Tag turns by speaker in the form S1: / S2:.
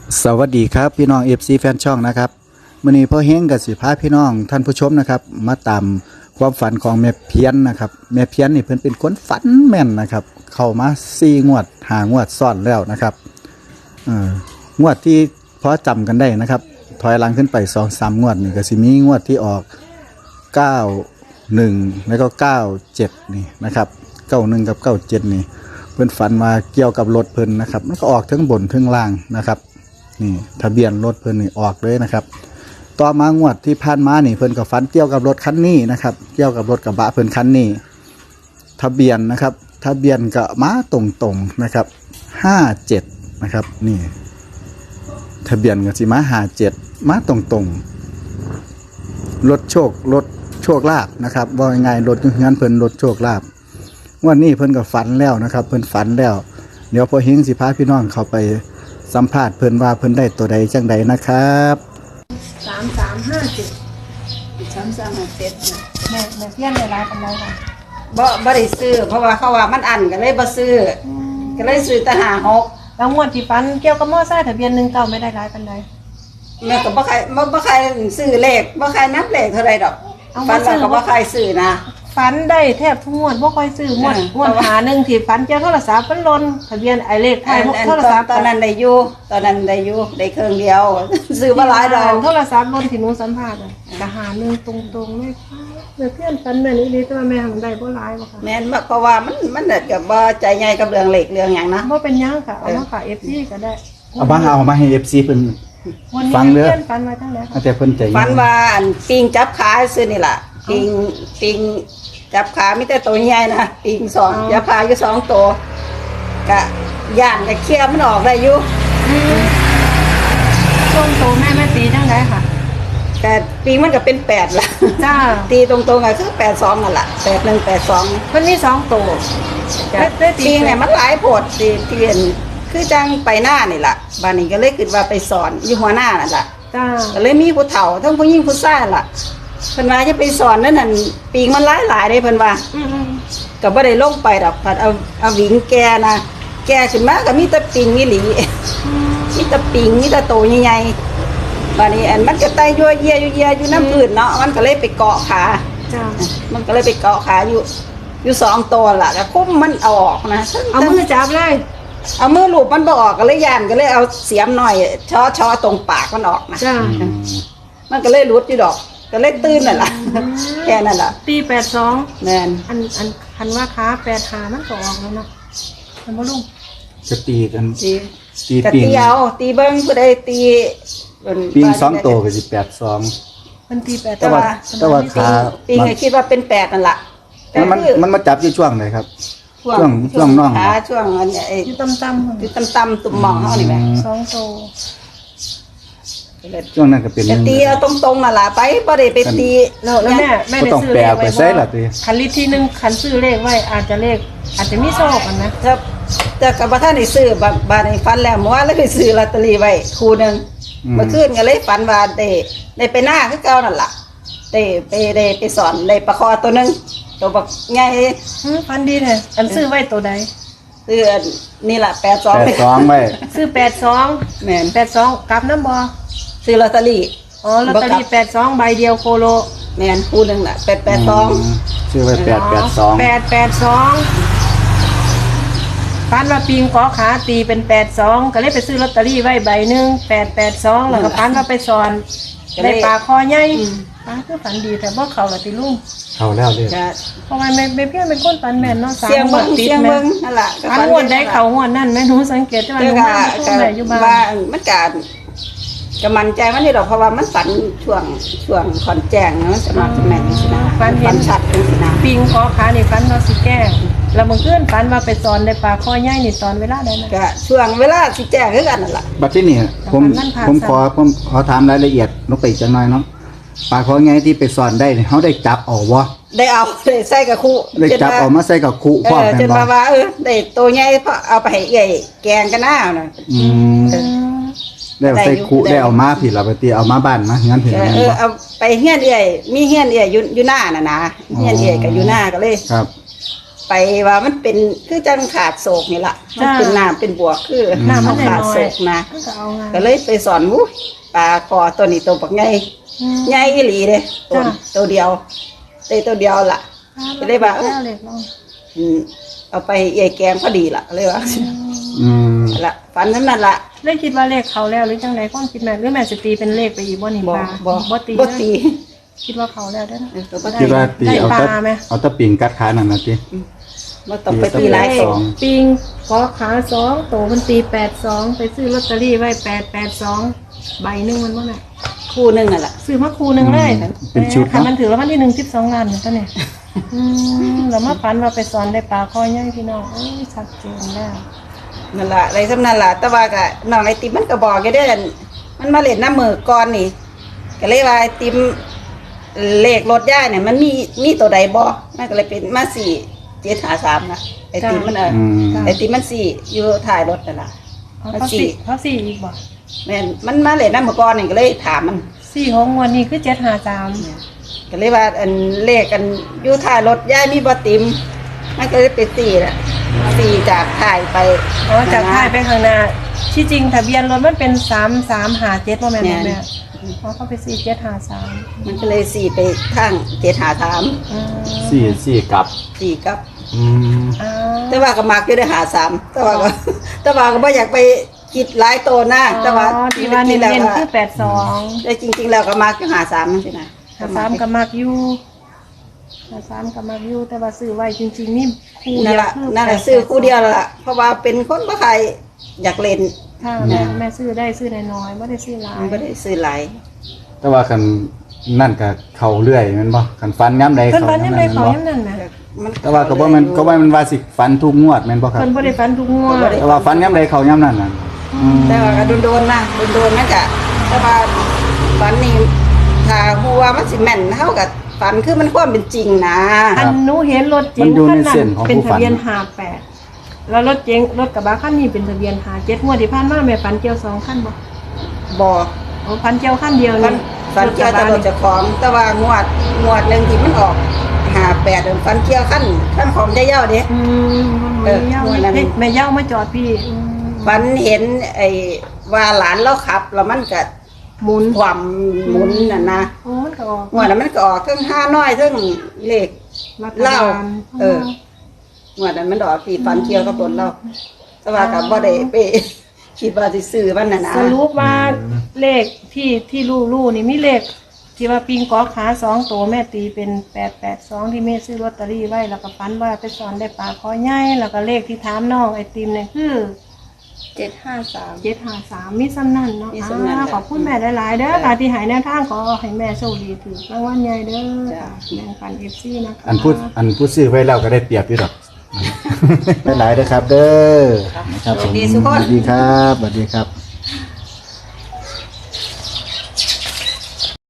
S1: สวัสดีครับพี่น้อง FC แฟนช่องนะครับมื้อนี้พ่อเฮงกับสิพาพี่น้องท่านผู้ชมนะครับมาตามความฝันของแม่เพี้ยนนะครับแม่เพี้ยนนี่เพิ่นเป็นคนฝันแม่นนะครับเข้ามา4งวด5งวดซ้อนแล้วนะครับงวดที่พอจำกันได้นะครับถอยหลังขึ้นไป 2-3 งวดนี่ก็สิมีงวดที่ออก91แล้วก็97นี่นะครับ91กับ97นี่เพิ่นฝันมาเกี่ยวกับรถเพิ่นนะครับมันก็ออกทั้งบนทั้งล่างนะครับนี่ทะเบียนรถเพิ่นนี่ออกเลยนะครับต่อมางวดที่ผ่านมานี่เพิ่นก็ฝันเกี่ยวกับรถคันนี้นะครับเกี่ยวกับรถกระบะเพิ่นคันนี้ทะเบียนนะครับทะเบียนก็มาตรงๆนะครับ57นะครับนี่ทะเบียนก็สิมา57มาตรงๆรถโชคลาภนะครับว่าง่ายๆรถงั้นเพิ่นรถโชคลาภวันนี้เพิ่นก็ฝันแล้วนะครับเพิ่นฝันแล้วเดี๋ยวพอเฮงสิพาพี่น้องเข้าไปสัมภาษณ์เพิ่นว่าเพิ่นได้ตัวใดจังใดนะครับ
S2: 3357
S3: 3357
S2: แม่เพี้ยนในร้านกันแล้วค่ะ
S3: บ่ได้ซื้อเพราะว่าเขาว่ามันอันก็เลยบ่ซื้อก็เลยซื้อแต่56
S2: แล้วงวดที่ฟันเกี่ยวกับมอไซค์ทะเบียน19ไม่ได้ร้ายปานใด
S3: แม่ก็บ่ใครซื้อเลขบ่ใครนับเลขเท่าใดดอกฟันว่าก็บ่ใครซื้อนะ
S2: ฟันได้แทบทุกงวดบ่ค่อยซื้องวดหาหนึ่งที่ฟันเกี่ยวโทรศัพท์มันหล่นทะเบียนไอเลขไทยโทรศัพท์
S3: ตอนนั้นได้อยู่ได้เครื่องเดียวซื้อบ่หลายดอก
S2: โทรศัพท์หล่นที่หนูสัมภาษณ์ก็หาหนึ่งตรงๆเลยค่ะแม่เพี้ยนฟันแม่นี่ดีแต่ว่าแม่ทำได้บ่หลายบ่ค่ะ
S3: แม่นเพราะว่ามันก็บ่ใจใหญ่กับเรื่องเลขเรื่องหยังนะ
S2: บ่เป็นหยังค่ะเอามาฝาก FC ก็ได้
S1: เอามาให้ FC เพิ่น
S2: วันนี้
S1: ฟังเด้อ
S2: เพี้ยนฟันมาจังได๋ค่ะ
S1: แต่เพิ่นใจเย็น
S3: ฟันว่าอันปิงจับขาซื้อนี่ล่ะปิงจับขามีแต่ตัวใหญ่นะปิงสองจับขาอยู่2ตัวก็ย่างก็เคลียร์มันออกได้อยู่
S2: ช่วงโตแม่ตีจังได๋ค่ะ
S3: แต่ปิงมันก็เป็น8ล่ะ
S2: จ้า
S3: ตีตรงๆก็คือ82นั่นล่ะ8182
S2: มันมี2โตได้ตี
S3: ปิงเนี่ยมันหลายโพดที่เห็นคือจังไปหน้านี่ล่ะบ้านนี้ก็เลยคิดว่าไปสอนอยู่หัวหน้านั่นล่ะ
S2: จ้า
S3: ก็เลยมีผู้เฒ่าทั้งผู้หญิงผู้ชายล่ะเพิ่นว่าจะไปสอนนั่นน่ะปิงมันหลายๆเด้เพิ่นว่า ก็บ่ได้ลงไปดอกพัดเอาหวิงแกนะแกขึ้นมาก็มีแต่ปิงนี่หลีมีแต่ปิงมีแต่โตใหญ่ๆบัดนี้อันมันก็ไต่ยั่วเยียอยู่น้ำพื้นเนาะมันก็เลยไปเกาะขา
S2: จ้า
S3: มันก็เลยไปเกาะขาอยู่2ตัวล่ะก็คุ้มมันเอาออกนะ
S2: เอามือจับเลย
S3: เอามือลูบมันบ่ออกก็เลยย่านก็เลยเอาเสียมหน่อยช้อตรงปากมันออกนะ
S2: จ้า
S3: มันก็เลยหลุดอยู่ดอกก็เลยตื่นนั่นล่ะแค่นั้นล่ะ
S2: ตี82
S3: แม่น
S2: อันคันว่าขา85มันก็ออกแล้วเนาะมันบ่ลุง
S1: จะตีกัน
S3: สิ
S1: ตี
S3: กะ
S1: ปิง
S3: ตีเอาตีเบิ้งผู้ใดตีเพิ่น
S1: ปิง2ตัวก็สิ82
S2: มันตี8
S1: แต่ว่าขา
S3: ปิงก็คิดว่าเป็น8นั่นล่ะแต่
S1: มันมาจับอยู่ช่วงไหนครับ ช่วงน่อง
S3: ขาช่วงอันไอ้
S2: อยู่ต่ำๆ
S3: อยู่ต่ำๆตุ่มหมองเฮานี่แหละ
S2: 2โต
S1: ช่วงนั้นก็เป็น
S3: จะตีเอาตรงๆนั่นล่ะไปบ่ได้ไปตี
S2: แล้วแม่
S1: ก็
S2: ได้
S1: ต้อง
S2: ซื้อ
S1: แปล
S2: เลข
S1: ไป
S2: ไว้
S1: ใส่ล่ะติ
S2: คันลิตรที่1คันซื้อเลขไว้อาจจะมีโชคกันนะ
S3: แต่ก็บ่ทันได้ซื้อบาดนี้ฝันแล้วเมื่อวานเลยไปซื้อลอตเตอรี่ไว้คู่หนึงเมื่อคืนก็เลยฝันว่าได้ไปหน้าคือเก่านั่นล่ะได้ไปสอนได้ปลาคอตัวหนึงตัวบักใหญ่
S2: ฟันดีแท้อันซื้อไว้ตัวใด
S3: ซื้อนี่ล่ะ82
S1: 82ไว้
S2: ซื้อ82
S3: แม่น
S2: 82กลับน้ำบ่
S3: ซื้อลอตเตอรี่
S2: อ๋อลอตเตอรี่82ใบเดียวโคโล
S3: แม่นคู่หนึงน่ะ882
S1: ชื่อไว้882
S2: ฟันว่าปิงขอขาตีเป็น82ก็เลยไปซื้อลอตเตอรี่ไว้ใบหนึง882แล้วก็ฟันว่าไปสอนได้ปลาคอใหญ่ปลาคือฝันดีแต่บ่เข้าละติลุง
S1: เข้าแล้วเด้อ
S3: จะ
S2: เพราะว่าแม่เพี้ยนเป็นคนฝันแม่นเนาะ
S3: เสียงเบิ่ง
S2: ติด
S3: เสียง
S2: แม่
S3: เบิ่งนั่นล่ะ
S2: ฝันงวดได้เข้างวดนั่นแม่หนูสังเกตว่าห
S3: เจ้า
S2: นู
S3: ก็
S2: มาช่วงไหนอยู่บ้าน
S3: ว่ามันก็มั่นใจมันนี่ดอกเพราะว่ามันฝันช่วงขอนแจ้งนะมันจะมาจะแม่นสินะฝันชัดเป็นสินะ
S2: ปิงขอขานี่ฝันว่าสิแก้แล้วเมื่อคืนฝันว่าไปสอนได้ปลาคอใหญ่นี่ตอนเวลาใดนะ
S3: ก็ช่วงเวลาสิแจ้งคือกันนั่นล่ะ
S1: บัดที่นี่ผม
S2: มันผ่าน
S1: ผมขอถามรายละเอียดลงไปอีกจังหน่อยเนาะปลาขอไงที่ไปสอนได้นี่เฮาได้จับเอาบ่
S3: ได้เอาได้ใส่กับคู่
S1: ได้จับเอามาใส่กับคุพร้อมกัน
S3: จน
S1: บ่
S3: ว่าได้ตัวใหญ่เพราะเอาไปให้ใหญ่แกงกันหน้าน่ะ
S1: อืมได้เอาใส่คุได้เอามาผิดล่ะบัดนี้เอามาบ้านมางั้นผิดแม่นบ่
S3: เอาไปเฮียนเอื่อยมีเฮียนเอื่อยอยู่หน้าน่ะนะเฮียนเอื่อยก็อยู่หน้าก็เลย
S1: ครับ
S3: ไปว่ามันเป็นคือจังขาดโศกนี่ล่ะมันเป็นน้ำเป็นบวกคือ
S2: น้ำมัน
S3: ขาด
S2: น้อ
S3: โศ
S2: ย
S3: กนะ
S2: ก็เอาไง
S3: ก็เลยไปสอนวุ้ปลาคอตัวนี้ตัวปักไงไงอีหลีเด้ตัวเดียวตัวเดียวล่ะ จะได้ว่า
S2: แล้วเล็กลง
S3: เอาไปเอยแกงก็ดีล่ะเลยว่า
S1: อืม
S3: ละฝันนั้นล่ะ
S2: เลยคิดว่าเลขเขาแล้วหรือจังไดความคิดแม่หรือแม่สิตีเป็นเลขไปอีกบ่นี่
S3: บ่
S2: ปลา
S3: บ่
S2: ตี
S3: บ่
S2: นะ
S3: ตี
S2: คิดว่าเขาแล้วเด้อนะ
S3: ตัวบ่
S1: คิดว่าตี
S2: ได้
S1: เอา
S2: ปลา
S1: ตะ
S2: ไหม
S1: เอาตะปิงกัดขานั่นน่ะติ
S3: บ่ต้องไปตีหลาย
S1: ส
S3: ตัว
S1: อง
S2: ปิงขอขา2โตมันตี82ไปซื้อลอตเตอรี่ไว้882ใบหนึงมันบ่แม่
S3: คู่หนึงน่ะล่ะ
S2: ซื้อมาคูหนึงเลย
S1: เป็นชุด
S2: ค่ะ
S1: เนาะ
S2: มันถือแล้ววันที่1 12ล้านเนี่ยตอนนี้แล้วมาฝันว่าไปสอนได้ปลาคอใหญ่พี่น้องเอ้ยชัดเจนแล้ว
S3: นั่นล่ะอะไรสำนั่นล่ะแต่ว่าก็น้องไอติมมันก็บอกอยู่เด้อมันมาเล่นน้ำมือก่อนนี่ก็เลยว่าไอติมเลขรถย่ายเนี่ยมันมีตัวใดบ่มันก็เลยเป็นมา4753นะไอติมมัน
S1: อืม
S3: ไอติมมัน4อยู่ท้ายรถนั่นล่ะ
S2: เขาสี่อีกบ่
S3: แม่นมันมาเล่นน้ำมือก่อนนี่ก็เลยถามมัน
S2: 4ของงวดนี้คือ753
S3: ก็เลยว่าอันเลขกันอยู่ท้ายรถย่ายมีบ่ติมมันก็เลยเป็น4น่ะ4จากท้ายไป
S2: อ๋อจากท้ายไปข้างหน้าที่จริงทะเบียนรถมันเป็น3357บ่แม่นบ่แม่เพราะเขาไป4753
S3: มันก็เลย4ไปทาง753
S1: สี่กลับ
S3: 4กับ
S1: อืม
S2: อ่า
S3: แต่ว่าก็มักอยู่ได้53แต่ว่าก็แต่ว่าก็บ่อยากไปคิดหลายโตนะแต่ว่า
S2: ที่ว่าเน้นๆคือ
S3: แต่
S2: 82
S3: จริงๆแล้วก็มักอยู่53นั่นสินะ
S2: 53ก็มักอยู่53ก็มักอยู่แต่ว่าซื้อไว้จริงๆนี่คู่
S3: นั่
S2: เดี
S3: น
S2: ยว
S3: ล่ะ
S2: คือ
S3: นั่นแหละซื้อคู่เดียวล่ะเพราะว่าเป็นคนบ่ใครอยากเล่น
S2: ถ้าแม่ซื้อได้ซื้อน้อยๆบ่ได้ซื้อหลาย
S3: มันบ่ได้ซื้อหลาย
S1: แต่ว่าคันนั่นก็เข้าเรื่อยแม่นบ่คันฟันย้ำใด
S2: เพิ่น
S1: เข้า
S2: ฝัน
S1: ย้ำ
S2: ยัง
S1: นั้น
S2: ได
S1: แม่น
S2: เขา
S1: บ่
S2: ยังนั่นน่ะ
S3: มัน
S1: แต่ว่าก็บ่แม่นก็ว่ามันว่าสิฟันทุกงวดแม่นบ่ครับ
S2: เพิ่นบ่ได้ฝันทุกงวด
S1: แต่ว่าฟันย้ำใดเข้าย้ำนั้นน่ะอืม
S3: แต่ว่าก็โดนๆนะโดนๆนั่นก็แต่ว่าฝันนี่ถ้าฮู้ว่ามันสิแม่นเฮาก็ฝันคือมันความเป็นจริงนะ
S2: อันหนูเห็นรถเก๋งคันนั้นเป็นทะเบียน58แล้วรถกระบะคันนี้เป็นทะเบียน57งวดที่ผ่านมาแม่ฝันเกี่ยว2คันบ่
S3: บ่
S2: โอ้ฝันเกี่ยวคันเดียว
S3: ฝัน
S2: นี่
S3: ฝันเกี่ยวแตลอดเจ้าของ แต่ว่างวดหนึงที่มันออก58ฝันเกี่ยวขั้นของยายเย้าเด้
S2: แม่เย้าแม่เย้ามาจอดพี่
S3: ฝันเห็นไอ้ว่าหลานเราขับ แล้วมันก็
S2: หมุน
S3: ความหมุนน่ะนะ
S2: โอ้มันก็ออก
S3: งวดนั้นมันก็ออกทั้ง5น้อยทั้งเลข
S2: รัฐ
S3: เหล้า
S2: บาล
S3: งวดนั้นมันออกที่ฝันเกี่ยวกับรถเราแต่ว่าก็บ่ได้ไปคิดว่าสิซื้อมันน่ะนะ
S2: สรุปว่าเลขที่ลู่นี่มีเลขที่ว่าปิงกอขา2ตัวแม่ตีเป็น882ที่แม่ซื้อลอตเตอรี่ไว้แล้วก็ฝันว่าไปสอนได้ปลาคอใหญ่แล้วก็เลขที่ถามน้องไอติมเนี่ยคือ 753มีซ้ำนั่นเนาะขอบคุณแม่หลายๆเด้อค่ะที่ใหายแนวทางขอให้แม่โชคดีถือรางวัลใหญ่เด้อแบ่งปัน FC นะคะ
S1: อันพูดซื้อไว้แล้วก็ได้เปรียบอยู่ดอก หลายๆเด้อครับ เด้อนะครับผม
S3: ดีสุขคน
S1: สวัสดีครับสวัสดีครับ